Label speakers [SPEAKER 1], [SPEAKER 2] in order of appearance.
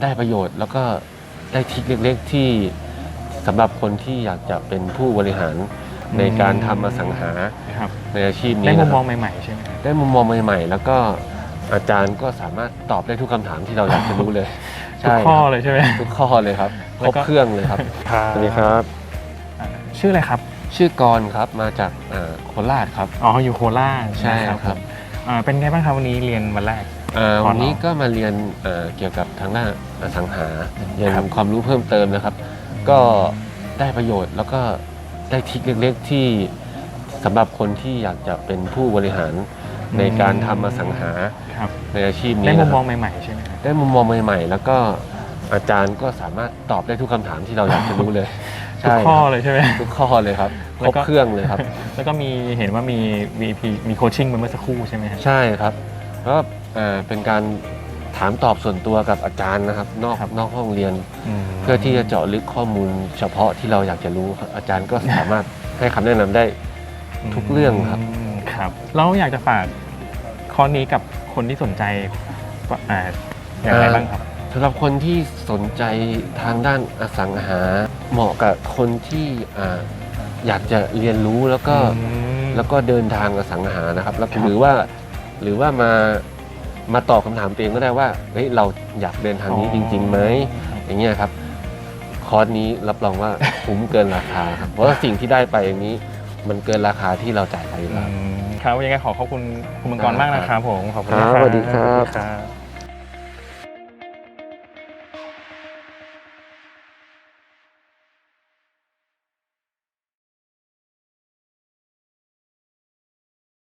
[SPEAKER 1] ได้ประโยชน์แล้วก็ได้ทริคเล็กๆที่สำหรับคนที่อยากจะเป็นผู้บริหารในการทำอสังหาในอาชีพนี้
[SPEAKER 2] ได้มุมมองใหม่ๆใช่ไหม
[SPEAKER 1] ได้มุมมองใหม่ๆแล้วก็อาจารย์ก็สามารถตอบได้ทุกคำถามที่เราอยากจะรู้เลย
[SPEAKER 2] ทุกข้อเลยใช่ไหม
[SPEAKER 1] ทุกข้อเลยครับครบเครื่องเลยครับสวัสดีครับ
[SPEAKER 2] ชื่ออะไรครับ
[SPEAKER 1] ชื่อกรครับมาจากโคราชครับ
[SPEAKER 2] อ๋ออยู่โคราช
[SPEAKER 1] ใช่ครับ
[SPEAKER 2] เป็นไงบ้างครับวันนี้เรียนวันแรก
[SPEAKER 1] วันนี้ก็มาเรียนเกี่ยวกับทางด้านอสังหาเรียนความรู้เพิ่มเติมนะครับก็ได้ประโยชน์แล้วก็ได้ทริคเล็กๆที่สำหรับคนที่อยากจะเป็นผู้บริหารในการทำอสังหาในอาชีพนี้
[SPEAKER 2] ได้มุมมองใหม่ๆใช่ไหม
[SPEAKER 1] ได้มุมมองใหม่ๆแล้วก็อาจารย์ก็สามารถตอบได้ทุกคำถามที่เราอยากจะรู้เลย
[SPEAKER 2] ทุกข้อเลยใช่ไหม
[SPEAKER 1] ทุกข้อเลยครับครบเครื่องเลยครับ
[SPEAKER 2] แล้วก็มีเห็นว่ามี VP มีโคชชิ่งเมื่อสักครู่ใช่ไหม
[SPEAKER 1] ใช่ครับก็เป็นการถามตอบส่วนตัวกับอาจารย์นะครับนอกห้องเรียนเพื่อที่จะเจาะลึกข้อมูลเฉพาะที่เราอยากจะรู้อาจารย์ก็สามารถให้คำแนะนำได้ทุกเรื่อง
[SPEAKER 2] ครับเราอยากจะฝากข้อนี้กับคนที่สนใจอย่างไรบ้างครับ
[SPEAKER 1] สำหรับคนที่สนใจทางด้านอสังหาเหมาะกับคนที่อยากจะเรียนรู้แล้วก็เดินทางอสังหานะครับแล้วหรือว่ามาตอบคำถามตัวเองก็ได้ว่าเฮ้ยเราอยากเดินทางนี้จริงๆไหมอย่างเงี้ยครับคอร์สนี้รับรองว่าคุ้มเกินราคาครับเพราะว่าสิ่งที่ได้ไปอย่างนี้มันเกินราคาที่เราจ่ายไปแล้ว
[SPEAKER 2] ครับยังไงขอบคุณคุณมังกรมากนะครับผมขอบคุณครับ
[SPEAKER 1] สวัสดีครับ